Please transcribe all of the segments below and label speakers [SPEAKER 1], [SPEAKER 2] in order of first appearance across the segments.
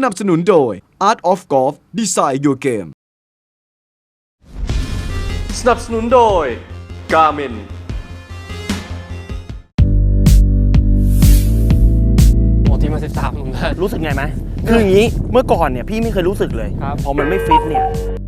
[SPEAKER 1] นับสนุนโดย Art of Golf Design Your Game
[SPEAKER 2] สนับสนุนโดย Garmin โอ้ทีมา13หนุ่มนะ
[SPEAKER 3] รู้สึกไงไหมคืออย่างนี้เมื่อก่อนเนี่ยพี่ไม่เคยรู้สึกเลยพอมันไม่ฟิตเนี่ย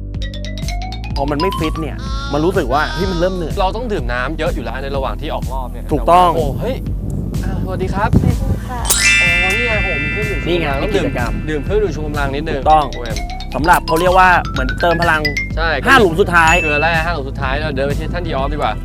[SPEAKER 3] มันรู้สึกว่าพี่มันเริ่มเหนื่อย
[SPEAKER 2] เราต้องดื่มน้ำเยอะอยู่แล้วในระหว่างที่ออกรอบเนี่ย
[SPEAKER 3] ถูกต้อง
[SPEAKER 2] โอ้เฮ้ยสวัสดีครับค่ะอ๋อนี่ไงผมมีเครื่องดื่ม
[SPEAKER 3] นี่ไงนี่กิจกรรม
[SPEAKER 2] ดื่มเครื่องดื่มชูกำลังนิดนึง
[SPEAKER 3] ต้องสำหรับเขาเรียกว่าเหมือนเติมพลัง
[SPEAKER 2] ใช่
[SPEAKER 3] 5 หลุมสุดท้าย
[SPEAKER 2] คือแรก5 หลุมสุดท้ายเราเดินไปที่ท่านดีออฟดีกว่า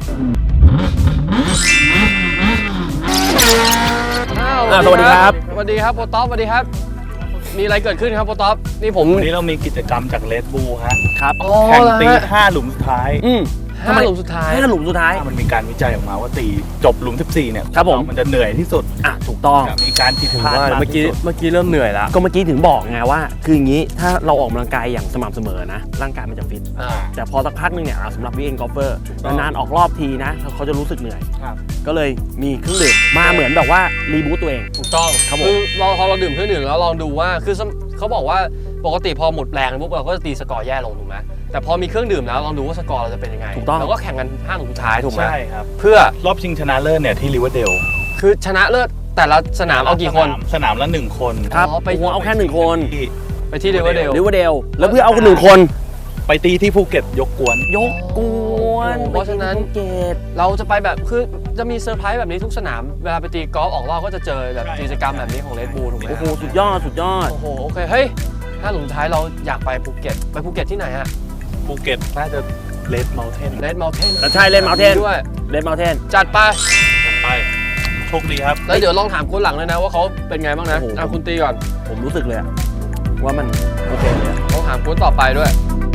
[SPEAKER 3] สวัสดีครับ
[SPEAKER 2] สวัสดีครับโปรต๊อปสวัสดีครับมีอะไรเกิดขึ้นครับโปรต๊อปนี่ผม
[SPEAKER 4] วันนี้เรามีกิจกรรมจาก Red Bull ฮะ
[SPEAKER 3] ครับ
[SPEAKER 4] แข่งตี5 หลุมสุดท้าย
[SPEAKER 3] 5 หลุมสุดท้าย
[SPEAKER 4] มันมีการวิจัยออกมาว่าตีจบหลุม14เนี่ย
[SPEAKER 3] ครับผม
[SPEAKER 4] มันจะเหนื่อยที่สุด
[SPEAKER 3] ถูกต้อง
[SPEAKER 4] มีการผิดพลาด
[SPEAKER 2] เมื่อกี้เริ่มเหนื่อยแล้ว
[SPEAKER 3] ก็เมื่อกี้ถึงบอกไงว่าคืออย่างนี้ถ้าเราออกกำลังกายอย่างสม่ำเสมอนะร่างกายมันจะฟิตแต่พอสักพักนึงเนี่ยสำหรับวิเอ็นกอล์ฟเฟอร์นานๆออกรอบทีนะเขาจะรู้สึกเหนื่อยก็เลยมีเครื่องดื่มมาเหมือนแบบว่ารีบูตตัวเอง
[SPEAKER 2] ถูกต้องคือพอเราดื่มเครื่องดื่มแล้วลองดูว่าคือเขาบอกว่าปกติพอหมดแรงปุ๊บเราก็จะตีสกอร์แย่ลงถูกไหมแต่พอมีเครื่องดื่มแล้วลองดูว่าสกอร์เราจะเป็นยังไง
[SPEAKER 3] ถูกต้อง
[SPEAKER 2] เราก็แข่งกัน5 หลุมสุดท้ายถูกไหม
[SPEAKER 4] ใช่ครับ
[SPEAKER 2] เพื่อ
[SPEAKER 4] รอบชิงชนะเลิศเนี่ยที่ริเวอร์เดล
[SPEAKER 2] คือชนะเลิศแต่ละสนามเอากี่คน
[SPEAKER 4] สนามละ1 คน
[SPEAKER 3] ครับไปเอาแค่1 คน
[SPEAKER 2] ไปที่ริเวอร์เดล
[SPEAKER 3] แล้วเพื่อเอาคน1 คน
[SPEAKER 4] ไปตีที่ภูเก็ตยกกวน
[SPEAKER 2] เพราะฉะนั้นเราจะไปแบบคือจะมีเซอร์ไพรส์แบบนี้ทุกสนามเวลาไปตีกอล์ฟออกรอบก็จะเจอแบบกิจกรรมแบบนี้ของ Red Bull ถูกไหม
[SPEAKER 3] โอ้โหสุดยอด
[SPEAKER 2] โอ้โหโอเคเฮ้ย5 หลุมท้ายเราอยากไปภูเก็ตที่ไหนฮะ
[SPEAKER 4] ภูเก็ตน่าจะเลดเมลเทน
[SPEAKER 3] ใช่เลดเมลเทนด้วย
[SPEAKER 2] จัดไป
[SPEAKER 4] โชคดีครับ
[SPEAKER 2] แล้วเดี๋ยวลองถามคนหลังเลยนะว่าเขาเป็นไงบ้างนะคุณตีก่อน
[SPEAKER 3] ผมรู้สึกเลยว่ามันโอเคเลย
[SPEAKER 2] ต้องถามคนต่อไปด้วย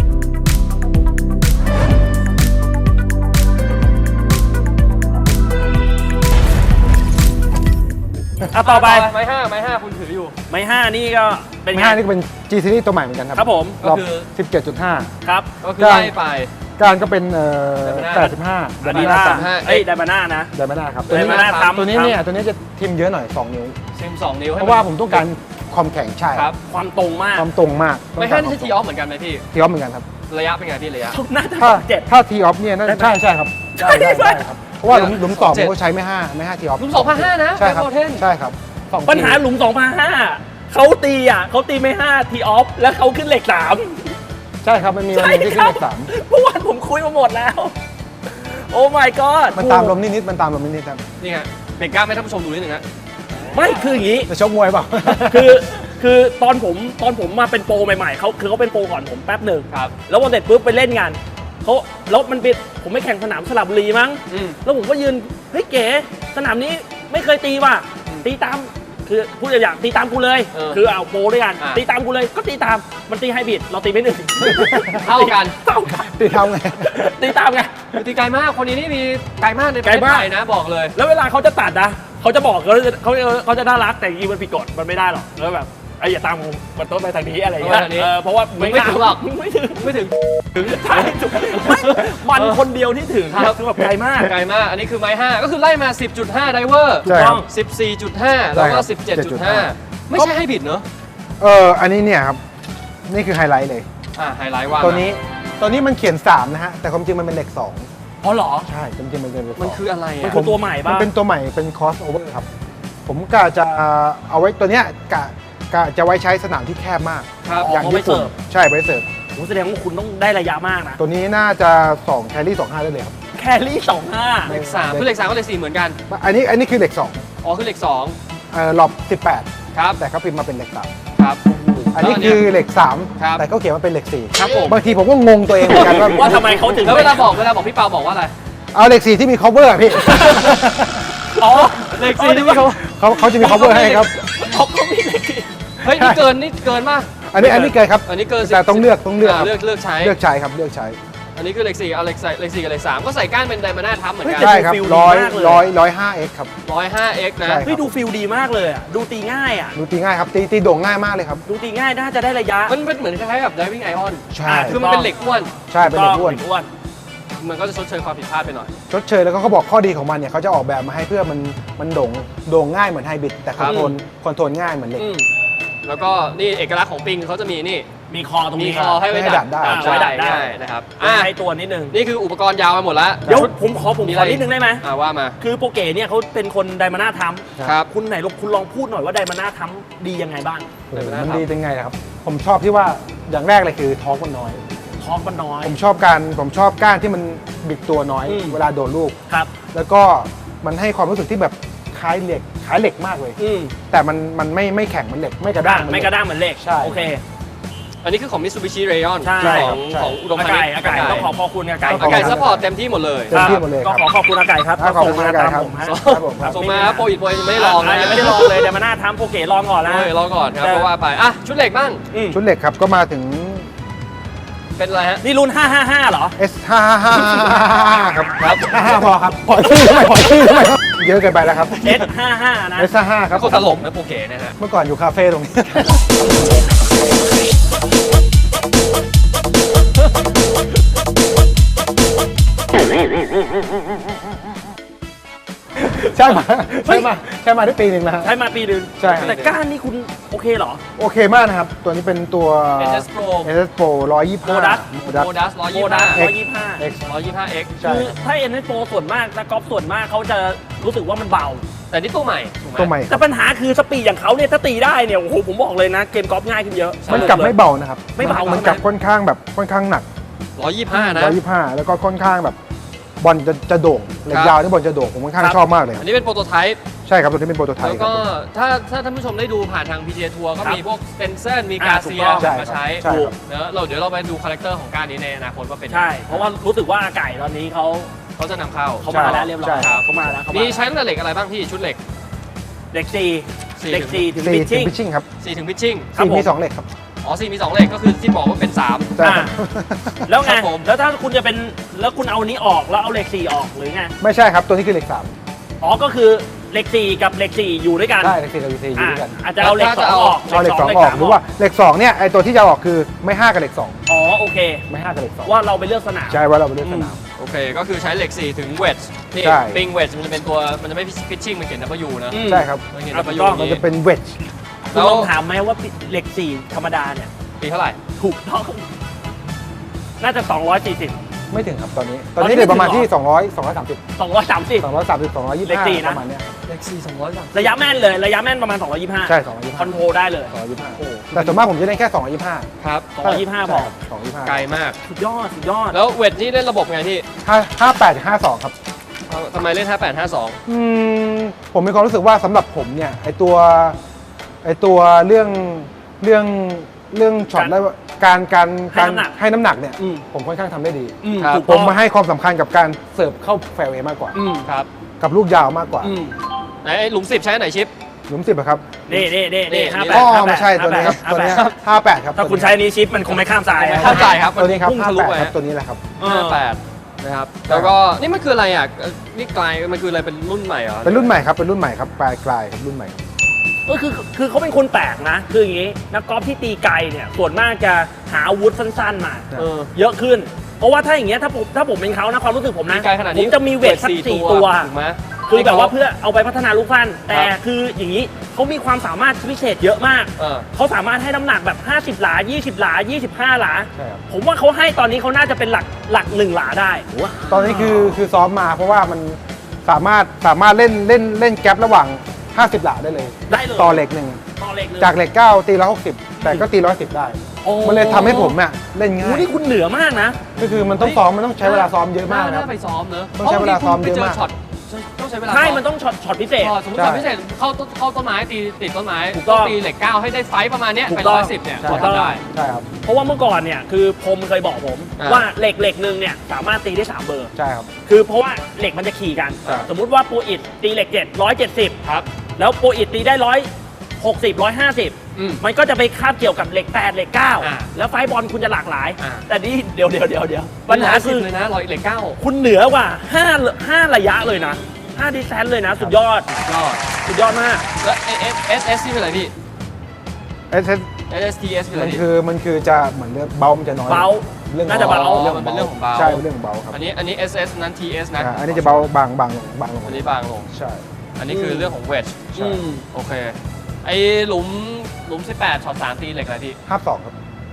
[SPEAKER 3] ต่อไป
[SPEAKER 2] ไม้5คุณถืออยู่
[SPEAKER 3] ไม้5นี่ก็เป็น
[SPEAKER 5] ไม้5นี่ก็เป็น G Series ตัวใหม่เหมือนกันครับ
[SPEAKER 3] ครับผม
[SPEAKER 2] ก็คือ
[SPEAKER 5] 17.5
[SPEAKER 3] ครับ
[SPEAKER 2] ก็คือไล่ไป
[SPEAKER 5] การก็เป็น
[SPEAKER 3] 85ไดมาน่านะ
[SPEAKER 5] ไดมาน่าครับ
[SPEAKER 3] ตัวนี้
[SPEAKER 5] เนี่ยตัวนี้จะทิมเยอะหน่อย2 นิ้ว
[SPEAKER 2] ทิม2 นิ้ว
[SPEAKER 5] เพราะว่าผมต้องการความแข็งใช่
[SPEAKER 2] ครับ
[SPEAKER 3] ความตรงมาก
[SPEAKER 2] ไม่5นี่ใช่ทีออฟเหมือนกันไหมพี่
[SPEAKER 5] ทีออฟเหมือนกันครับ
[SPEAKER 2] ระยะเป็นไงพี่ระยะ
[SPEAKER 5] ถ้าทีออฟเนี่ยใช่ครับได้ครับเพราะว่าหลุม2ผมก็ใช้ไม่5ทีออฟ
[SPEAKER 2] หลุม2,500นะ
[SPEAKER 5] ใช่ครับ
[SPEAKER 3] ปัญหาหลุม2,500เขาตีไม่5ทีออฟแล้วเขาขึ้นเหล็ก3
[SPEAKER 5] ใช่ครับมันมีวันที่ขึ้นเลข3
[SPEAKER 3] เมื่อวานผมคุยมาหมดแล้วโอ้ my god
[SPEAKER 5] มันตามลมนิดครับ
[SPEAKER 2] นี่ฮะเบรกกล้าให้ท่านผู้ชมดูนิดนึงฮะ
[SPEAKER 3] ไม่คืออย่างนี้
[SPEAKER 5] จะชกมวยเปล่า
[SPEAKER 3] คือตอนผมมาเป็นโปรใหม่ๆเขาเป็นโปรก่อนผมแป๊บหนึ่ง
[SPEAKER 2] ครับ
[SPEAKER 3] แล้ววันเสร็จปุ๊บไปเล่นงานแล้วมันเป็นผมไปแข่งสนามสระบุรีมั้งแล้วผมก็ยืนเฮ้ยเก๋สนามนี้ไม่เคยตีว่ะตีตามคือพูดอย่างตีตามกูเลยคือเอาโปรด้วยกันตีตามกูเลยก็ตีตามมันตีไฮบริดเราตีไม่หนึ่ง
[SPEAKER 2] เท่ากัน
[SPEAKER 5] ตีทำไง
[SPEAKER 3] ตีตามไง
[SPEAKER 2] ตีไกลมากคนนี้นี่มีไกลมากในประเทศไทยนะบอกเลย
[SPEAKER 3] แล้วเวลาเขาจะตัดนะเขาจะบอกเขาจะน่ารักแต่จริงมันผิดกฎมันไม่ได้หรอกแล้วแบบอย่าตามผมมันต้องไปทางนี้อะไรอย่างเงี้ยเพราะว่า
[SPEAKER 2] ไม่ถึงหรอกไม่ถึง
[SPEAKER 3] มันคนเดียวที่ถึงคือแบบไกลมาก
[SPEAKER 2] อันนี้คือไม้5ก็คือไล่มา 10.5 ไดเวอร์
[SPEAKER 5] ต้อง
[SPEAKER 2] 14.5 แล้วก็ 17.5 ไม่ใช่ให้ผิดเนอะ
[SPEAKER 5] อันนี้เนี่ยครับนี่คือไฮไลท์เลย
[SPEAKER 2] ไฮไลท์ว่า
[SPEAKER 5] ตัวนี้มันเขียน3นะฮะแต่ความจริงมันเป็นเลข2
[SPEAKER 3] อ๋อเหรอ
[SPEAKER 5] ใช่จริงๆมันเป็นเลข2
[SPEAKER 2] มันคืออะไร
[SPEAKER 3] มันคือตัวใหม่ป่ะ
[SPEAKER 5] มันเป็นตัวใหม่เป็นคอสโอเวอร์ครับผมกะจะเอาไว้ตัวเนี้ยกะจะไว้ใช้สนามที่แคบมาก
[SPEAKER 3] อย่างญี่ปุ่น
[SPEAKER 5] ใช่ไว้เสิร์ฟ
[SPEAKER 3] แสดงว่าคุณต้องได้ระยะมากนะ
[SPEAKER 5] ตัวนี้น่าจะ2แครี่25ได้เลยครับ
[SPEAKER 3] แครี่25
[SPEAKER 2] เลข3คือเลข3ก็เลข4เหมือนกัน
[SPEAKER 5] อันนี้คือเลข2
[SPEAKER 2] อ๋อคือเลข2
[SPEAKER 5] หลบ18
[SPEAKER 2] ครับ
[SPEAKER 5] แต่เขาพิมพ์มาเป็นเลข
[SPEAKER 2] 3ครับ
[SPEAKER 5] อันนี้คือเลข3แต่เขาเขียนมาเป็นเลข4
[SPEAKER 2] ครับผม
[SPEAKER 5] บางทีผมก็งงตัวเองเหมือนกัน
[SPEAKER 3] ว่าทำไมเขาถึง
[SPEAKER 2] แล้วเวลาบอกพี่เปาบอกว่าอะไร
[SPEAKER 5] เอาเลข4ที่มี cover พี่
[SPEAKER 2] อ๋อเลข4ที่มี
[SPEAKER 5] เขาจะมี cover ให้ครับ
[SPEAKER 3] เขามีเลข
[SPEAKER 2] เฮ้ยนี่เกินมาก
[SPEAKER 5] อันนี้เกินครับ
[SPEAKER 2] อันนี้เกิน
[SPEAKER 5] แต่ต้องเลือก
[SPEAKER 2] ใช้
[SPEAKER 5] ครับเลือกใช้
[SPEAKER 2] อันนี้คือเลข4เอาเลข4กับเลข3ก็ใส่ก้านเป็นไดมาน่าทับเหมือนกัน
[SPEAKER 5] ใช่ครับ105x ครับ
[SPEAKER 2] 105x นะ
[SPEAKER 3] เฮ้ยดูฟิลดีมากเลยอ่ะดูตีง่าย
[SPEAKER 5] ครับตีโด่งง่ายมากเลยครับ
[SPEAKER 3] ดูตีง่ายน่าจะได้ระยะ
[SPEAKER 2] มันเป็นเหมือนคล้ายๆกับ Diving Iron
[SPEAKER 5] ใช่
[SPEAKER 2] คือมันเป็นเหล็กอ้วน
[SPEAKER 5] ใช่เป็นเหล็กอ้วน
[SPEAKER 2] มันก็จะชดเชยความผิดพลาดไปหน่อย
[SPEAKER 5] ชดเชยแล้วก็เขาบอกข้อดีของมันเนี่ยเขาจะออกแบบมาให้เพื่อมันโด่งง่ายเหมือนไฮบริดแต่คอนโทรลง่ายเหมือนเหล็ก
[SPEAKER 2] แล้วก็นี่เอกลักษณ์ของปิงเขาจะมีนี่
[SPEAKER 3] มีคอตรง
[SPEAKER 2] มี
[SPEAKER 3] นี้
[SPEAKER 2] คอให้ไว้ดัด
[SPEAKER 5] ได้
[SPEAKER 3] ไว้ดัดได้
[SPEAKER 2] ใช่นะครับ
[SPEAKER 3] ให้ตัวนิดนึง
[SPEAKER 2] นี่คืออุปกรณ์ยาวไปหมดแล้ว
[SPEAKER 3] เดี๋ยวผมขอ
[SPEAKER 2] มี
[SPEAKER 3] ข
[SPEAKER 2] อะไร
[SPEAKER 3] อนิดนึงได้ไหม
[SPEAKER 2] ว่ามา
[SPEAKER 3] คือโปรเกเนี่ยเขาเป็นคนไดมาน่าท
[SPEAKER 2] ครับ
[SPEAKER 3] ำคุณไหนคุณลองพูดหน่อยว่าไดมาน่าทำดียังไงบ้าง
[SPEAKER 5] มันดียังไงนะครับ ผมชอบที่ว่าอย่างแรกเลยคือท้องมันน้อย
[SPEAKER 3] ท้องมันน้อย
[SPEAKER 5] ผมชอบก้านที่มันบิดตัวน้อย
[SPEAKER 3] อืม
[SPEAKER 5] เวลาโดดลูก
[SPEAKER 3] ครับ
[SPEAKER 5] แล้วก็มันให้ความรู้สึกที่แบบคล้ายเหล็กมากเลย
[SPEAKER 3] อืม
[SPEAKER 5] แต่มันไม่แข็งเหมันเหล็กไม่กระด้าง
[SPEAKER 3] ไม่กระด้างเหมือนเหล็ก
[SPEAKER 5] ใช่
[SPEAKER 3] โอเค
[SPEAKER 2] อันนี้คือของ Mitsubishi Rayon
[SPEAKER 3] ใช่
[SPEAKER 2] ของ
[SPEAKER 5] ใช่
[SPEAKER 2] ของอุดม
[SPEAKER 3] อา
[SPEAKER 2] พา
[SPEAKER 3] ไก่
[SPEAKER 2] ณิชย์
[SPEAKER 3] อาไก่ต้องขอบคุณอาไก่
[SPEAKER 2] อาไก่ซัพพอร์ตเต็มที่หมดเลย
[SPEAKER 5] เต็มที่หมดเลย
[SPEAKER 3] ก็
[SPEAKER 5] ครับ
[SPEAKER 3] ขอบคุณอาไก่ครับ
[SPEAKER 5] ขอบคุณอาไก่ครับ
[SPEAKER 3] ส่งมาตามผมฮะ
[SPEAKER 5] ครับผมครับ
[SPEAKER 2] ส่งมาโปรอิดโปรยังไม่ได้ลองนะ
[SPEAKER 3] ยังไม่ได้ลองเลยไดมาน่าทำโปรเกลองก่อนแล้ว
[SPEAKER 2] รอก่อนครับเพราะว่าไปอ่ะชุดเหล็กบ้าง
[SPEAKER 5] ชุดเหล็กครับก็มาถึง
[SPEAKER 2] เป็นอะไรฮะ
[SPEAKER 3] นี่รุ่น 555เหรอ
[SPEAKER 5] S555 ครับ
[SPEAKER 2] ครับ
[SPEAKER 5] 55พอครับปล่อยชื่อทำไมครับเยอะเกินไปแล้วครับ
[SPEAKER 3] S55 นะ
[SPEAKER 5] S55 ครับ
[SPEAKER 2] คนตลกนะโปรเกนะฮะ
[SPEAKER 5] เมื่อก่อนอยู่คาเฟ่ตรงนี้ ใช่มาได้ปีหนึ่งแล้วฮะ
[SPEAKER 3] ใช้มาปีหนึง
[SPEAKER 5] ใช่ครับ
[SPEAKER 3] แต่ก้านนี่คุณโอเคเหรอ
[SPEAKER 5] โอเคมากนะครับ ตัวนี้เป็นตัว
[SPEAKER 2] SS Pro
[SPEAKER 5] SS Pro 125
[SPEAKER 3] Modus
[SPEAKER 2] โมดัส
[SPEAKER 3] โมดัส
[SPEAKER 2] 125
[SPEAKER 3] 125
[SPEAKER 5] X
[SPEAKER 2] 125X
[SPEAKER 5] ใช่
[SPEAKER 3] คือถ้า NS Pro ส่วนมากนะกอล์ฟส่วนมากเขาจะรู้สึกว่ามันเบา
[SPEAKER 2] แต่นี่ตัวใหม่ถูกไหม
[SPEAKER 5] ตัวใหม่
[SPEAKER 3] แต่ปัญหาคือสปีดอย่างเขาเนี่ยถ้าตีได้เนี่ยโอ้โหผมบอกเลยนะ เกมกอล์ฟง่ายขึ้นเยอะ
[SPEAKER 5] มันกลับไม่เบานะครับ
[SPEAKER 3] ไม่เบา
[SPEAKER 5] มันกลับค่อนข้างหนัก
[SPEAKER 2] 125 นะ
[SPEAKER 5] 125 แล้วก็ค่อนข้างแบบบอลจะโด่งเหล็กยาวนี่บอลจะโด่งผมค่อนข้างชอบมากเลยค
[SPEAKER 2] อั
[SPEAKER 5] รับ
[SPEAKER 2] นนี้เป็นโปรโตไทป์
[SPEAKER 5] ใช่ครับตัวนี้เป็นโปรโตไท
[SPEAKER 2] แล้ว
[SPEAKER 5] ป์ครั
[SPEAKER 2] ก็
[SPEAKER 5] บผม
[SPEAKER 2] ถ้าท่านผู้ชมได้ดูผ่านทาง PGA Tour ก็มีพวกสเตนเซอร์มีกาเซีย
[SPEAKER 5] ใช่
[SPEAKER 2] มาใช้
[SPEAKER 5] ใช่ครับ
[SPEAKER 2] เนอะเดี๋ยวเราไปดูคาแรคเตอร์ของการนี้ในอนาคตว่าเป็น
[SPEAKER 3] ใช่ เพราะว่ารู้สึกว่าอาไก่ตอนนี้เขา
[SPEAKER 2] เขาจะนำเข้า
[SPEAKER 3] มาแล้วเรียบร้อย
[SPEAKER 5] ใช่
[SPEAKER 3] เขามาแล้วเขามา
[SPEAKER 2] มีใช้ตั้งแต่เหล็กอะไรบ้างพี่ชุดเหล็ก
[SPEAKER 3] เด็ก
[SPEAKER 2] สี่
[SPEAKER 3] 4เด็ก4ถึง
[SPEAKER 5] 4
[SPEAKER 3] พิช
[SPEAKER 5] ถึ
[SPEAKER 3] ชิ่
[SPEAKER 5] ง
[SPEAKER 3] ง
[SPEAKER 5] พิชชิ่งครับ
[SPEAKER 2] 4 ถึงพิชชิ่ง
[SPEAKER 3] ครับ
[SPEAKER 5] 4
[SPEAKER 3] ผม
[SPEAKER 5] มี 2 เหล็กครับ
[SPEAKER 2] อ๋อ4มี 2 เหล็กก็คือที่บอกว่าเป็น 3
[SPEAKER 5] ใช่ครับ
[SPEAKER 3] แล้วไง
[SPEAKER 2] ครับผม
[SPEAKER 3] แล้วถ้าคุณจะเป็นแล้วคุณเอาอันนี้ออกแล้วเอาเหล็ก4ออกหรือไง
[SPEAKER 5] ไม่ใช่ครับ ตัวนี้คือเหล็ก
[SPEAKER 3] อ๋อก็คือเหล็ก4กับเหล็ก4อยู่ด้วยกัน
[SPEAKER 5] 3 ใช่เหล็ก4กับเหล็ก4อยู่ด้วยกัน
[SPEAKER 3] อาจจะเอาเหล็ก2ออก
[SPEAKER 5] เอาเหล็ก 2 ออกหรือว่าเหล็ก 2 เนี่ยไอตัวที่จะออกคือไม่ 5 กับเหล็ก
[SPEAKER 3] อ๋อโอเค
[SPEAKER 5] 2 ไม่ 5 กับเหล็ก
[SPEAKER 3] ว่าเราไปเลือกสนาม
[SPEAKER 5] 2 ใช่ว่าเราไปเล่นสนาม
[SPEAKER 2] โอเคก็คือใช้เหล็ก 4 ถึงเวทนี่
[SPEAKER 5] ใช่
[SPEAKER 2] ปิงเวทมันจะเป็นตัวมันจะไม่พิชชิ่งมันเขียน W นะ
[SPEAKER 3] อืม
[SPEAKER 5] ใช่ครับ
[SPEAKER 2] มันเขียน
[SPEAKER 3] อ่ะ
[SPEAKER 2] W
[SPEAKER 3] ถูกต้อง
[SPEAKER 5] มันจะเป็นเวจ
[SPEAKER 3] คุณลองถามไหมว่าเหล็ก4ธรรมดาเนี่ย
[SPEAKER 2] ปีเท่าไหร่
[SPEAKER 3] ถูกต้องน่าจะ 240
[SPEAKER 5] ไม่ถึงครับตอนนี้
[SPEAKER 3] ตอนนี้
[SPEAKER 5] เหลือประมาณ
[SPEAKER 3] ไม่ถึ
[SPEAKER 5] ที่
[SPEAKER 3] งเหรอ
[SPEAKER 5] 230
[SPEAKER 3] 230
[SPEAKER 5] 225
[SPEAKER 3] เหล็กสี่นะ
[SPEAKER 5] ประมาณเนี้ย
[SPEAKER 2] เหล็ก 4 200
[SPEAKER 3] ระยะแม่นเลยระยะแม่นประมาณ 225
[SPEAKER 5] ใช่
[SPEAKER 3] คอนโทรลได้เลย
[SPEAKER 5] 225แต่ส่วนมากผมจะเล่นแค่ 225
[SPEAKER 2] ครับ
[SPEAKER 3] 225พอ
[SPEAKER 5] 225
[SPEAKER 2] ไกลมาก
[SPEAKER 3] สุดยอดสุดยอด
[SPEAKER 2] แล้วเวทนี่เล่นระบบไงพี่
[SPEAKER 5] 58 52 ครับ
[SPEAKER 2] ทำไมเล่น 5852
[SPEAKER 5] ผมมีความรู้สึกว่าสำหรับผมเนี่ยไอตัวเรื่องช็อตได้ว่าการให้น้ำหนักเนี่ย
[SPEAKER 3] อืม
[SPEAKER 5] ผมค่อนข้างทำได้ดี
[SPEAKER 2] ครับ
[SPEAKER 3] ถูก
[SPEAKER 5] ผ
[SPEAKER 3] ต้
[SPEAKER 5] ม
[SPEAKER 3] อง
[SPEAKER 5] มาให้ความสำคัญกับการเสิร์ฟเข้าแฟร์เวย์มากกว่า
[SPEAKER 2] ครับ
[SPEAKER 5] กับลูกยาวมากกว่า
[SPEAKER 2] ไหนหลุม 10 ใช้ไหนชิป
[SPEAKER 5] หลุม10อะครับ
[SPEAKER 3] นี่
[SPEAKER 2] นี่
[SPEAKER 3] 58
[SPEAKER 5] อ๋อไม่ใช่ตัวนี้ครับตัวนี้58 ครับ
[SPEAKER 3] ถ้าคุณใช้อันนี้ชิปมันคงไม่ข้ามสาย
[SPEAKER 2] ไม่ข้ามสายครับ
[SPEAKER 5] ตัวนี้ครับ
[SPEAKER 2] พุ่งทะลุไป
[SPEAKER 5] 58ครับตัวนี้แหละครับ
[SPEAKER 2] 58นะครับแล้วก็นี่มันคืออะไรอ่ะนี่กลายมันคืออะไรเป็นรุ่นใหม่เหรอ
[SPEAKER 5] เป็นรุ่นใหม่ครับเป็นรุ่นใหม่ครับปลายกลายครับรุ่นใหม่
[SPEAKER 3] ก็คือเขาเป็นคนแปลกนะ คืออย่างนี้นักกอล์ฟที่ตีไกลเนี่ยส่วนมากจะหาอาวุธสั้นๆมา
[SPEAKER 2] เออ
[SPEAKER 3] เยอะขึ้น เพราะว่าถ้าอย่างเงี้ยถ้าผมเป็นเขานะความรู้สึกผมนะ
[SPEAKER 2] ตีไกลขนาด
[SPEAKER 3] ผ
[SPEAKER 2] นี้
[SPEAKER 3] มจะมีเวทสัก
[SPEAKER 2] 4
[SPEAKER 3] 4 ตัว
[SPEAKER 2] ถูกไหม
[SPEAKER 3] คือแบบว่าเพื่อเอาไปพัฒนาลูกสั้นแต่
[SPEAKER 2] ครับ
[SPEAKER 3] คืออย่างนี้เขามีความสามารถพิเศษเยอะมาก
[SPEAKER 2] เออ
[SPEAKER 3] เขาสามารถให้น้ำหนักแบบ 50 หลา 20 หลา 25 หลา
[SPEAKER 5] ใช่ครับ
[SPEAKER 3] ผมว่าเขาให้ตอนนี้เขาน่าจะเป็นหลัก1 หลาได้
[SPEAKER 5] ตอนนี้คือซ้อมมาเพราะว่ามันสามารถเล่นแกลบระหว่าง 50 หลาได้เลย
[SPEAKER 3] ได้เลย
[SPEAKER 5] ต่อเหล็กหนึ่ง
[SPEAKER 3] ต่อเหล็กเลย
[SPEAKER 5] จากเหล็ก 9 ตี 160 แต่ก็ตี 110 ได้
[SPEAKER 3] โอ้
[SPEAKER 5] มันเลยทำให้ผมเนี่ยเล่นง่า
[SPEAKER 3] โอ้
[SPEAKER 5] ย
[SPEAKER 3] นี่คุณเหนือมากนะ
[SPEAKER 5] ก็คือมันต้องซ้อมมันต้องใช้เวลาซ้อมเยอะมากนะครับ
[SPEAKER 2] น่ไปซ้อมเนอะ
[SPEAKER 5] ต้องใช้เวลาซ้อมเยอะมาก
[SPEAKER 2] พรบงทีคุณไปจช็อตต้องใช้เวลา
[SPEAKER 3] ใช่
[SPEAKER 2] ซ้อ
[SPEAKER 3] มันต้องช็อตพิเศษ
[SPEAKER 2] สมมติช็อตพิเศษเข้าต้นไม้ตีติดต้นไม้
[SPEAKER 3] ถูกต้อง
[SPEAKER 2] ตีเหล็ก 9 ให้ได้ไซส์ประมาณเนี้ย
[SPEAKER 3] ถูก
[SPEAKER 2] ไป
[SPEAKER 3] ต้อง
[SPEAKER 2] 110เนี่ย
[SPEAKER 5] ใช่
[SPEAKER 2] พอทำได้
[SPEAKER 5] ใช่ครับ
[SPEAKER 3] เพราะว่าเมื่อก่อนเนี่ยคือผมเคยบอกผม
[SPEAKER 2] อ่า
[SPEAKER 3] ว่าเหล็กหนึ่งเนี่ยสามารถตีได้ 3 เบอร์
[SPEAKER 5] ใช่ครับ
[SPEAKER 3] คือเพราะว่าเหล็กมันจะขี่กัน
[SPEAKER 5] ครับ
[SPEAKER 3] สมมุติว่าโปรอิดตีเหล็ก7 170
[SPEAKER 2] ครับ
[SPEAKER 3] แล้วโปรอิดตีได้160 150
[SPEAKER 2] อืม
[SPEAKER 3] มันก็จะไปคาบเกี่ยวกับเหล็ก8เหล็ก
[SPEAKER 2] อ่า
[SPEAKER 3] 9แล้วไฟบอลคุณจะหลากหลาย
[SPEAKER 2] อ่า
[SPEAKER 3] แต่นี่เดี๋ยวปัญหาคือ
[SPEAKER 2] เลยนะเหล็ก 9
[SPEAKER 3] คุณเหนือกว่า5ระยะเลยนะ5ดิสแทนเลยนะ สุดยอด
[SPEAKER 2] ก็
[SPEAKER 3] สุดยอดมาก
[SPEAKER 2] แล้ว SS ที่เป็นอะไรพี่
[SPEAKER 5] SS
[SPEAKER 2] SSTS คืออะไรพี่
[SPEAKER 5] มันคือจะเหมือนเรื่องเบามันจะน้อย
[SPEAKER 3] เบา
[SPEAKER 5] เรื่อง
[SPEAKER 3] น่าจะเบา
[SPEAKER 2] มันเป็นเรื่องของเบา
[SPEAKER 5] ใช่เป็นเรื่องของเบาครับ
[SPEAKER 2] อันนี้ SS นั้น TS นะ
[SPEAKER 5] อันนี้จะเบาบางลง
[SPEAKER 2] อันนี้บางลง
[SPEAKER 5] ใช่
[SPEAKER 2] อันนี้คือเรื่องของเวท
[SPEAKER 5] ใช่
[SPEAKER 2] โอเค ไอหลุมหลุม 18ช็อต3ตีเหล็กอะไรพี่
[SPEAKER 5] 52 ครับ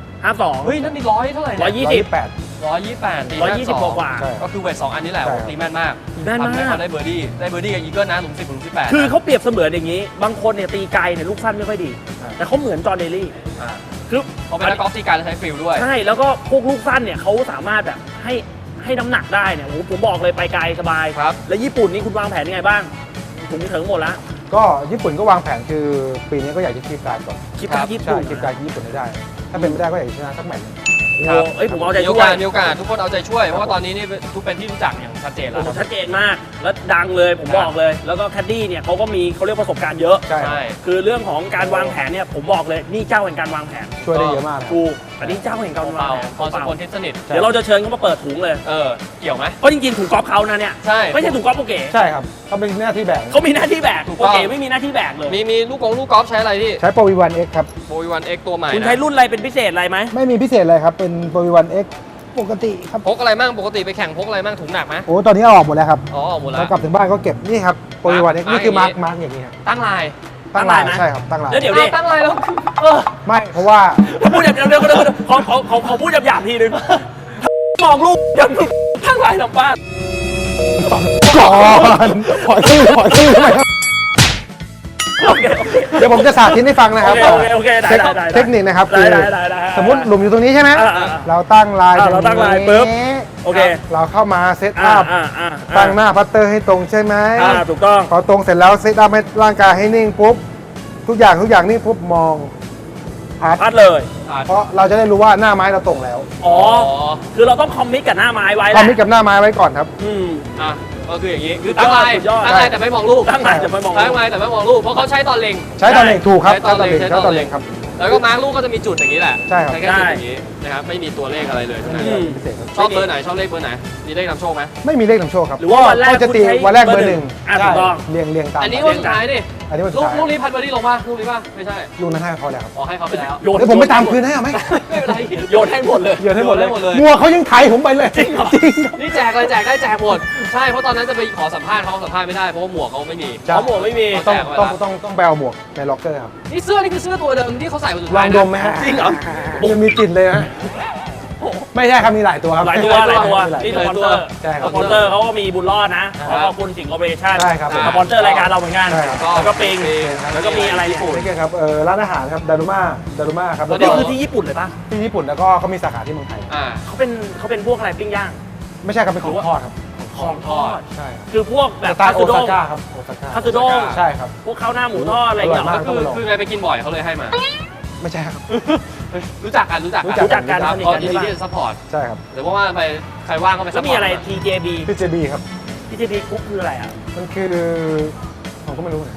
[SPEAKER 3] 52
[SPEAKER 2] เฮ้ย นั่นมีร้อยเท่าไหร่เนี่ย
[SPEAKER 3] 120
[SPEAKER 2] 128ตี
[SPEAKER 3] 120 กว่า
[SPEAKER 5] ใช่
[SPEAKER 2] ก็คือเวท2อันนี้แหละ
[SPEAKER 5] ใช่
[SPEAKER 2] ตีแม่นมาก
[SPEAKER 3] แม่นมาก
[SPEAKER 2] ทำให้เขาได้เบอร์ดี้กับอีเกิลนะหลุม 10หลุม 18
[SPEAKER 3] คือเขาเปรียบเสมือนอย่างนี้ บางคนเนี่ยตีไกลเนี่ยลูกสั้นไม่ค่อยดี แต่เขาเหมือนจอห์นเดลี่
[SPEAKER 2] อ่า
[SPEAKER 3] คือ
[SPEAKER 2] เขาเป็นนักกอล์ฟตีการและใช้ฟิลด้วย
[SPEAKER 3] ใช่ แล้วก็พวกลูกสั้นเนี่ยเขาสามารถแบบให้น้ำหนักได้เนี่ยโอ้โหผมบอกเลยไปไกลสบาย
[SPEAKER 2] ครับ
[SPEAKER 3] แล้วญี่ปุ่นนี่คุณวางแผนยังไงบ้างถุงเถิงหมดละ
[SPEAKER 5] ก็ญี่ปุ่นก็วางแผนคือปีนี้ก็อยากจะคีบการก่อน
[SPEAKER 3] คิดการญี่
[SPEAKER 5] ใช่
[SPEAKER 3] ปุ่น
[SPEAKER 5] คีบการญี่ปุ่นให้ได้ ถ้าเป็นไม่ได้ก็อยากจะชนะสักแมตช์หนึ่ง
[SPEAKER 3] โอ้โหเอ้ยผมเอาใจ
[SPEAKER 2] มีโอ
[SPEAKER 3] ช่วย
[SPEAKER 2] กาสมีโอกาสทุกคนเอาใจช่วย เพราะว่าตอนนี้นี่ทุกเป็นที่รู้จักอย่างชัดเจนแล้ว
[SPEAKER 3] ผมชัดเจนมาก แล้วดังเลยผมบอกเลย แล้วก็แคดดี้เนี่ยเขาก็มีเขาเรียกประสบการณ์เยอะ
[SPEAKER 5] ใช่
[SPEAKER 2] ใช่
[SPEAKER 3] คือเรื่องของการวางแผนเนี่ยผมบอกเลยนี่เจ้าแห่งการวางแผน
[SPEAKER 5] ช่วยได้เยอะมากครับ
[SPEAKER 3] ถูกอันนี้เจ้าแห่งการวาง
[SPEAKER 2] เปล่า
[SPEAKER 3] แผน
[SPEAKER 2] พรสกลทิศสนิท
[SPEAKER 3] เดี๋ยวเราจะเชิญเขามาเปิดถุงเลย
[SPEAKER 2] เกี่ยวไหม
[SPEAKER 3] ก็จริงๆถุงกอล์ฟเขานะเนี่ย
[SPEAKER 2] ใช่
[SPEAKER 3] ไม่ใช่ถุงกอล์ฟโปเก๋
[SPEAKER 5] ใช่ครับเขาเป็นหน้าที่แบก
[SPEAKER 3] เขามีหน้าที่แบก
[SPEAKER 2] ถูก
[SPEAKER 3] โป
[SPEAKER 2] ต้อง
[SPEAKER 3] เก๋ไม่มีหน้าที่แบกเลย
[SPEAKER 2] มีลูกกอล์ฟใช้อะไรพี่
[SPEAKER 5] ใช้โปรวีวันเอ็กครับ
[SPEAKER 2] โบวีวันเอ็กตัวใหม่
[SPEAKER 3] คุณใช้รุ่นอะไรเป็นพิเศษอะไรไหม
[SPEAKER 5] ไม่มีพิเศษเลยครับ เป็นโปรวีวันเอ็กปกติครับ
[SPEAKER 2] พกอะไรมั่งปกติไปแข่งพกอะไรมั่งถุงหนักไหม
[SPEAKER 5] โอ้ตอนนี้เอาออกหมดแล้วครับ
[SPEAKER 2] อ๋อหมดแล้
[SPEAKER 5] เรา
[SPEAKER 2] ว
[SPEAKER 5] กลับถึงบ้านก็เก็บนี่ครับโปรวีวันเอ็ก
[SPEAKER 2] มาร์ค
[SPEAKER 5] นี่คือมาร์ก
[SPEAKER 2] อย่างนี้
[SPEAKER 5] มาร์กอย่างนี้ครับ
[SPEAKER 2] ตั้งลาย
[SPEAKER 5] ตั้งลายใช่ครับตั้งลาย
[SPEAKER 3] แล้วเดี๋ยวดิ
[SPEAKER 2] ตั้งลายแล้วเออ
[SPEAKER 5] ไม่เพราะว่า
[SPEAKER 3] พูดเดี๋ยวขอพูดหยาบๆทีนึงมองลูกยังทั้งหลายลำบ้าน
[SPEAKER 5] ก่อนขอชื่อไหมครับ
[SPEAKER 3] โอเค
[SPEAKER 5] เดี๋ยวผมจะสาธิตให้ฟังนะครับ
[SPEAKER 3] โอเคได้
[SPEAKER 5] เทคนิคนะครับ
[SPEAKER 3] ได้
[SPEAKER 5] คือ
[SPEAKER 3] ได้
[SPEAKER 5] สมมติหลุมอยู่ตรงนี้ใช่ไหม
[SPEAKER 3] อ่า
[SPEAKER 5] เราตั้งลาย
[SPEAKER 3] เราตั้งลายปุ๊บโอเค
[SPEAKER 5] เราเข้ามาเซตอัพ
[SPEAKER 3] ตั้
[SPEAKER 5] ตั้งหน้าพัตเตอร์ให้ตรงใช่ไหม
[SPEAKER 3] ถูกต้อง
[SPEAKER 5] พอตรงเสร็จแล้วเซตอัพให้ร่างกายให้นิ่งปุ๊บทุกอย่างนิ่งปุ๊บมองพัด
[SPEAKER 3] พัดเลย
[SPEAKER 5] เพราะเราจะได้รู้ว่าหน้าไม้เราตรงแล้ว
[SPEAKER 3] อ๋อคือเราต้องคอมมิตกับหน้าไม้ไว้
[SPEAKER 5] ความมิดกับหน้าไม้ไว้ก่อนครับ
[SPEAKER 2] อ่ะก็คืออย่างนี้คือตั้งลาย
[SPEAKER 3] สุดยอด
[SPEAKER 2] ตั้งลายแต่ไม่มองลูก
[SPEAKER 3] ตั้งลายแต่ไม่มองลูก
[SPEAKER 2] ตั้งลายแต่ไม่มองลูกเพราะเขาใช้ตอนเล็ง
[SPEAKER 5] ใช้ตอนเล็งถูกครับ
[SPEAKER 2] ใช้ตอนเล็ง
[SPEAKER 5] ใช้ตอนเล็งครับ
[SPEAKER 2] แล้วก็มาร์กลูกก็จะมีจุดอย่างนี้แหละ
[SPEAKER 5] ใช่ครับ
[SPEAKER 2] แค่จุดอย่างนี้นะครับไม่มีตัวเลขอะไรเลยทั้งนั้น
[SPEAKER 5] พิเศษครับ
[SPEAKER 2] ชอบเบอร์ไหนชอบเลขเบอร์ไหนมีเลขนำโชคไหม
[SPEAKER 5] ไม่มีเลขนำโชคครับ
[SPEAKER 3] หรือว่าวันแรก
[SPEAKER 5] จะตี
[SPEAKER 3] คุณใช้
[SPEAKER 5] วันแรกเบอร์หนึ่ง
[SPEAKER 3] ถูกต้อง
[SPEAKER 5] เรียงตาม
[SPEAKER 2] อันนี้วันสุดท้ายดิ
[SPEAKER 5] อันนี้วันสุ
[SPEAKER 2] ลู
[SPEAKER 5] ด
[SPEAKER 2] ก
[SPEAKER 5] ท้าย
[SPEAKER 2] ลูกนี้พัดเบอร์ดี้ลงป่ะลูกนี้ป่ะไม่ใช่
[SPEAKER 5] ลูกนั้นให้เขาแล้วครับ
[SPEAKER 2] อ๋อให้เขาไปแล้ว
[SPEAKER 3] โยน
[SPEAKER 5] เดี๋ยวผมไปตามคืนให้เอาไหม
[SPEAKER 2] ไม่เป็นไร
[SPEAKER 3] โยนให้หมดเลย
[SPEAKER 5] โยนให้หมดเลย
[SPEAKER 2] โยนให้หมดเลย
[SPEAKER 5] มัวเขายังไถผมไปเลยจริงครับ
[SPEAKER 2] นี่แจกเลยแจกได้แจกหมดใช่เพราะตอนนั้นจะไปขอสัมภาษณ์เขาสัมภาษณ์ไม่ได้เพราะว่าหมวกเขาไม่มี
[SPEAKER 5] ใช่
[SPEAKER 3] เขาหมวกไม่มี
[SPEAKER 5] ต้องไปเอาหมวกในล็อกเกอร์ครับ
[SPEAKER 2] นี่เสื้อนี่คือเสื้อตัวเดิมที่เขาใส่วันสุด
[SPEAKER 5] ลอ
[SPEAKER 2] ท้าย
[SPEAKER 5] ง
[SPEAKER 2] นะ
[SPEAKER 5] ดมไหมฮะ
[SPEAKER 3] จริงเหรอ
[SPEAKER 5] มันมีกลิ่นเลยนะไม่ใช่ครับมีหลายตัวครับ
[SPEAKER 3] หลายตัวนี่สปอนเซอร์
[SPEAKER 5] ใช่ครับ
[SPEAKER 3] สปอนเซอร์เขาก็มีบุญรอดนะขอบคุณสิงห์คอร์ปอเรชั่น
[SPEAKER 5] ใช่ครับ
[SPEAKER 3] สปอนเซอร์รายการเราเหมือนกัน
[SPEAKER 5] ใช่ครับ
[SPEAKER 3] แล้วก็ปิงแล้วก็มีอะไรเนี่ย
[SPEAKER 5] ไม่ใช่ครับร้านอาหารครับดารุมาครับ
[SPEAKER 3] นี่คือที่ญี่ปุ่นเลยปะ
[SPEAKER 5] ที่ญี่ปุ่นแล้วก็เขามีสาขาที่เมืองไทย
[SPEAKER 2] อ่า
[SPEAKER 3] เขาเป็นพวกอะไรปิ้งย่าง
[SPEAKER 5] ไม่ใช่ครับเป็นของทอดครับ
[SPEAKER 3] ของทอด
[SPEAKER 5] ใช่ครับ
[SPEAKER 3] คือพวกแบบ
[SPEAKER 5] สไตล์โอ
[SPEAKER 3] คัตสึ
[SPEAKER 5] ซา
[SPEAKER 3] ด้ง
[SPEAKER 5] ก้าครับโอซาก้า
[SPEAKER 3] คัตสึด้ง
[SPEAKER 5] ใช่ครับ
[SPEAKER 3] พวกข้าวหน้าหมูทอดอะไรอย่างเงี้ย
[SPEAKER 5] อร่อยมาก
[SPEAKER 2] ก็คือไงไปกินบ่อยเขาเลยให้มา
[SPEAKER 5] ไม่ใช่ครับ
[SPEAKER 2] รู้จักกัน
[SPEAKER 3] รู้จักกัน
[SPEAKER 2] ครับ
[SPEAKER 3] สนิท
[SPEAKER 2] ก็
[SPEAKER 3] กัน
[SPEAKER 2] ยิน
[SPEAKER 3] ที่
[SPEAKER 2] ดี
[SPEAKER 3] บ้าน
[SPEAKER 2] ที่จะซัพพอร์ต
[SPEAKER 5] ใช่ครับ
[SPEAKER 2] หรือว่าไปใครว่างก็ไปซั
[SPEAKER 3] แล้
[SPEAKER 2] พ
[SPEAKER 3] ว
[SPEAKER 2] พอร์ต
[SPEAKER 3] มีอะไร TJB
[SPEAKER 5] พี่เจบีครับ
[SPEAKER 3] TJB กุ๊กคืออะไรอ่ะ
[SPEAKER 5] มันคือผมก็ไม่รู้นะ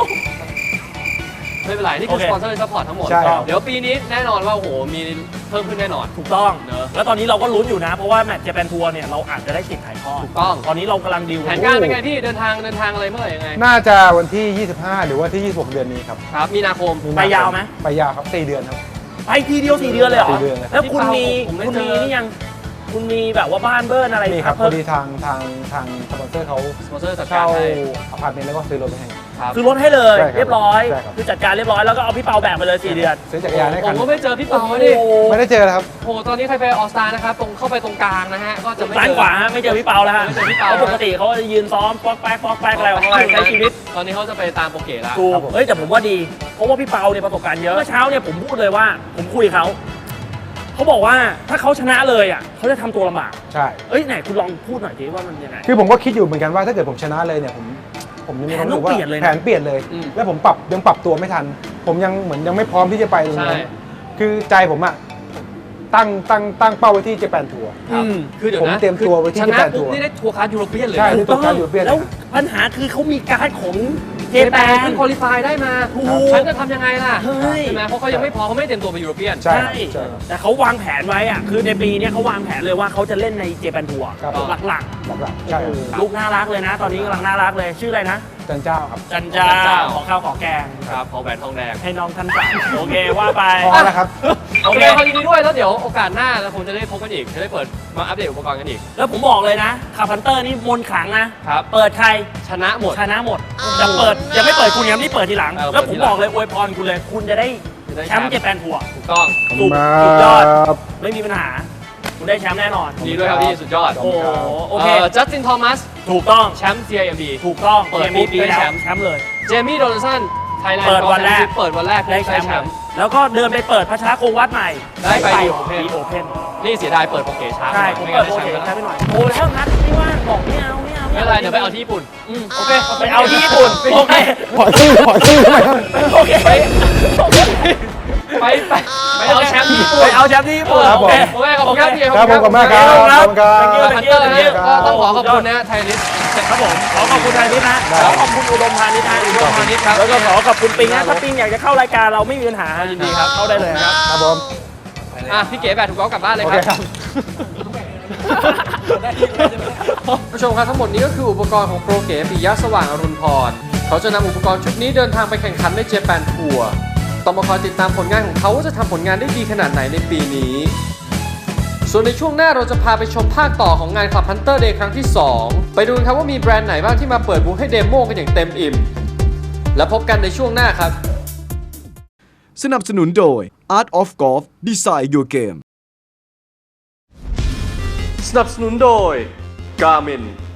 [SPEAKER 2] ไม่เป็นไรนี่คือ
[SPEAKER 3] โอเค
[SPEAKER 2] สปอนเซอร์ซัพพอร์ตทั้งหมด
[SPEAKER 5] ใช่ครับ
[SPEAKER 2] เดี๋ยวปีนี้แน่นอนว่าโอ้โหมีเพิ่มขึ้นแน่นอน
[SPEAKER 3] ถูกต้อง
[SPEAKER 2] เนอะ
[SPEAKER 3] แล้วตอนนี้เราก็ลุ้นอยู่นะ เพราะว่าแมตช์เจแปนทัวร์เนี่ยเราอาจจะได้สิทธิ์ถ่ายทอด
[SPEAKER 2] ถูกต้อง
[SPEAKER 3] ตอนนี้เรากำลังดิว
[SPEAKER 2] แผนการเป็นไงพี่เดินทางอะไรเมื่อไหร่ยังไง
[SPEAKER 5] น่าจะวันที่ 25 หรือว่าที่ 26 เดือนนี้ครับ
[SPEAKER 2] ครับมีนาคม
[SPEAKER 3] ไปยาวไหม
[SPEAKER 5] ไปยาวครับ4เดือนครับ
[SPEAKER 3] ไปทีเดียว4 เดือนเลยเหรอ
[SPEAKER 5] 4เดือนเลยครับ
[SPEAKER 3] แล้วคุณมี
[SPEAKER 2] ผมได้
[SPEAKER 3] คุณ
[SPEAKER 2] เจ
[SPEAKER 3] มี
[SPEAKER 2] อ
[SPEAKER 3] นี่ยังคุณมีแบบว่าบ้านเบิ้ลอะไร
[SPEAKER 5] นี่ครับพ
[SPEAKER 3] เพิ่
[SPEAKER 5] อ
[SPEAKER 3] ม
[SPEAKER 5] ดีทางสปอนเซอร์เขา
[SPEAKER 2] สปอนเซอร์จัดกา
[SPEAKER 5] เช่าร
[SPEAKER 2] ให้
[SPEAKER 5] อพาร์ตเมนต์แล้วก็ซื้อรถไปให้
[SPEAKER 2] ครับ
[SPEAKER 3] คือลดให้เลย
[SPEAKER 5] ใช่ครับ
[SPEAKER 3] เรียบร้อย
[SPEAKER 5] ใช่ครับ
[SPEAKER 3] คือจัดการเรียบร้อยแล้วก็เอาพี่เปาแบกไปเลย4 เดือน
[SPEAKER 5] ซื้อจักรยานให้
[SPEAKER 2] ผ
[SPEAKER 5] คั
[SPEAKER 2] ม
[SPEAKER 5] น
[SPEAKER 2] ก็ไม่เจอพี่เปาดิ
[SPEAKER 3] โอ้โห
[SPEAKER 5] ไม่ได้เจอแล้วครับ
[SPEAKER 2] โอ้โหตอนนี้ใครไปออสตานะครับตรงเข้าไปตรงกลางนะฮะก็จะไม่
[SPEAKER 3] ซ้าย
[SPEAKER 2] เจอ
[SPEAKER 3] ขวาฮะไม่เจอพี่เปาแล้วฮะ
[SPEAKER 2] ไม่เจอพี่เปา
[SPEAKER 3] เพราะปกติเขาจะยืนซ้อมป๊อกแป๊กอะไรของเขาใช้ชีวิต
[SPEAKER 2] ตอนนี้เขาจะไปตามโปรเกตแล้ว
[SPEAKER 3] ถูก
[SPEAKER 5] ครับผม
[SPEAKER 3] เฮ้ยแต่ผมว่าดี เพราะว่าพี่เปาเนี่ยประสบการณ์เยอะ เมื่อเช้าเนี่ยผมพูดเลยว่าผมคุยกับเขา เขาบอกว่าถ้าเขาชนะเลยอ่ะเขาจะทำตัวลำบาก
[SPEAKER 5] ใช่
[SPEAKER 3] เอ้ยไหนคุณลองพูดหน่อยสิว่ามันยังไง
[SPEAKER 5] คือผมก็คิดอยู่เหมือนกันว่าถ้าเกิดผมชนะเลยเนี่ยผมยังมีความรู้สึกว่า
[SPEAKER 3] แผนต้องเปลี่ยนเลยนะ
[SPEAKER 5] แผนเปลี่ยนเลย แล้วผมยังปรับตัวไม่ทัน ผมยังเหมือนยังไม่พร้อมที่จะไปตรง
[SPEAKER 2] ใช่
[SPEAKER 5] นั้นคือใจผมอะตั้งเป้าไว้ที่เจแปนทัวร์
[SPEAKER 2] ครับคือเดี๋ยวนะ
[SPEAKER 5] ผมเตรียมตัวไว้ที่
[SPEAKER 2] ชนะ
[SPEAKER 5] ญี่ปุ่น
[SPEAKER 2] ปุ๊บนี่ได้ทัวร์คาร์ดยูโรเปียนเลย
[SPEAKER 5] ใช่
[SPEAKER 2] นะ
[SPEAKER 5] ที่ตัวการอยู่เปลี่ยน
[SPEAKER 3] แล้วปัญหาคือเขามีการ์ดของเจ
[SPEAKER 2] เจ
[SPEAKER 3] แป
[SPEAKER 2] แปน
[SPEAKER 3] น
[SPEAKER 2] เพิ่งคุริฟายได้มา
[SPEAKER 3] ถูก
[SPEAKER 2] ฉันจะทำยังไงล่ะ
[SPEAKER 3] เฮ้ย
[SPEAKER 2] ใช่ไหมเพราะเขายังไม่พอเขาไม่ได้เตรียมตัวไปยูโรเปียน
[SPEAKER 5] ใช่
[SPEAKER 3] ใช่
[SPEAKER 5] ใช่ครับ
[SPEAKER 3] แต่เขาวางแผนไว้อ่ะคือในปีเนี้ยเขาวางแผนเลยว่าเขาจะเล่นในเจแปนทัวร์
[SPEAKER 5] ครับผม
[SPEAKER 3] หลัก
[SPEAKER 5] หลักๆใช่ครับ
[SPEAKER 3] ๆลูกน่ารักเลยนะ ตอนนี้กำลังน่ารักเลยชื่ออะไรนะ
[SPEAKER 5] จันเจ้าครับ
[SPEAKER 3] จันจาขอข้าวขอแกง
[SPEAKER 2] ครับของแหวนทองแดง
[SPEAKER 3] ให้น้องท่านสั่งโอเคว่าไป
[SPEAKER 5] พอแล้วครับ
[SPEAKER 2] โอเคขอยินดีด้วยแล้วเดี๋ยวโอกาสหน้าเราคงจะได้พบกันอีกจะได้เปิดมาอัปเดตอุปกรณ์กันอีก
[SPEAKER 3] แล้วผมบอกเลยนะคาพันเตอร์นี่มนต์ขลังนะ
[SPEAKER 2] ครับ
[SPEAKER 3] เปิดใคร
[SPEAKER 2] ชนะหมด
[SPEAKER 3] ชนะหมดจะเปิดยังไม่เปิดคุณยังไม่เปิดทีหลัง
[SPEAKER 2] เออ
[SPEAKER 3] แล้วผม
[SPEAKER 2] เปิดทีหลัง
[SPEAKER 3] บอกเลยอวยพรคุณเลย คุณจะได้
[SPEAKER 2] จะได้
[SPEAKER 3] แชมป์เจแปนทัวร์
[SPEAKER 2] ถูกต้อง
[SPEAKER 3] สุดยอด
[SPEAKER 5] ครับ
[SPEAKER 3] ไม่มีปัญหา คุณได้แชมป์แน่นอน
[SPEAKER 2] ดีด้วยครับพี่สุดยอด
[SPEAKER 3] โอ้โหโอเค
[SPEAKER 2] จัสตินทอมัส
[SPEAKER 3] ถูกต้อง
[SPEAKER 2] แชมป์ CIMB
[SPEAKER 3] ถูกต้อง
[SPEAKER 2] เปิด
[SPEAKER 3] กมนี้
[SPEAKER 2] ปุ๊บได้แชมป์
[SPEAKER 3] แชมป์เลย
[SPEAKER 2] เจมี่โดนัลสันไทยแลนด์
[SPEAKER 3] เปิดวันแรก
[SPEAKER 2] เปิดวันแรก
[SPEAKER 3] ได้แชมป์แล้วก็เดินไปเปิดพัชรโควัตใหม่
[SPEAKER 2] ได้ไป
[SPEAKER 3] โอเพน
[SPEAKER 2] นี่เสียดายเปิดโปรเกช้า
[SPEAKER 3] ใช่ผม
[SPEAKER 2] ไม่
[SPEAKER 3] เปิ
[SPEAKER 2] งั้
[SPEAKER 3] ด
[SPEAKER 2] น
[SPEAKER 3] โปร
[SPEAKER 2] ได้
[SPEAKER 3] เจ
[SPEAKER 2] แช
[SPEAKER 3] ก
[SPEAKER 2] ม
[SPEAKER 3] ต์
[SPEAKER 2] ป์
[SPEAKER 3] ใช้
[SPEAKER 2] แล้ว
[SPEAKER 3] ไปหน่อยโอ้แล้วนัดไม่ว่างบอกไม่เอา
[SPEAKER 2] ไม่เป็นไรเดี๋ยวไปเอาที่ญี่ปุ่นโอเค
[SPEAKER 3] ไปเอาที่ญี่ปุ่นโอเค
[SPEAKER 5] ขอชื่อไหมครับ
[SPEAKER 3] โอเค
[SPEAKER 2] ไปเอาแชมป์ที่ญี่ปุ่น
[SPEAKER 3] ไปเอาแชมป์ที่ญี่ปุ่น
[SPEAKER 5] ครับผม
[SPEAKER 2] โอเคขอบคุณครับพี่
[SPEAKER 5] ครับผมขอบคุณมากครับขอบคุณครับ
[SPEAKER 2] ฮันเตอร์นี่ก็ต้องขอขอบคุณนะไทยลิส
[SPEAKER 3] ครับผมขอขอบคุณไทยนิดนะขอขอบคุณอุดมพานิชนะ
[SPEAKER 2] อุดมพานิชครับ
[SPEAKER 3] แล้วก็ขอขอบคุณปิงนะถ้าปิงอยากจะเข้ารายการเราไม่มีปัญหา
[SPEAKER 2] ยินดีครับ
[SPEAKER 3] เข้าได้เลยครับ
[SPEAKER 5] ครับผม
[SPEAKER 2] พี่เก๋แบตถูกต้องกลับบ้านเลย
[SPEAKER 5] โอ
[SPEAKER 2] ค
[SPEAKER 5] เครับ ครับ
[SPEAKER 2] ผู้ชมครับทั้งหมดนี้ก็คืออุปกรณ์ของโปรเก๋ปิยะสว่างอรุณพรเขาจะนำอุปกรณ์ชุดนี้เดินทางไปแข่งขันในเจแปนทัวร์ต้องมาคอยติดตามผลงานของเขาว่าจะทำผลงานได้ดีขนาดไหนในปีนี้ ส่วนในช่วงหน้าเราจะพาไปชมภาคต่อของงาน Club Hunter Day ครั้งที่ 2 ไปดูกันครับว่ามีแบรนด์ไหนบ้างที่มาเปิดบูธให้เดโมกันอย่างเต็มอิ่ม แล้วพบกันในช่วงหน้าครับ
[SPEAKER 1] สนับสนุนโดย Art of Golf Design Your Game
[SPEAKER 2] สนับสนุนโดย Garmin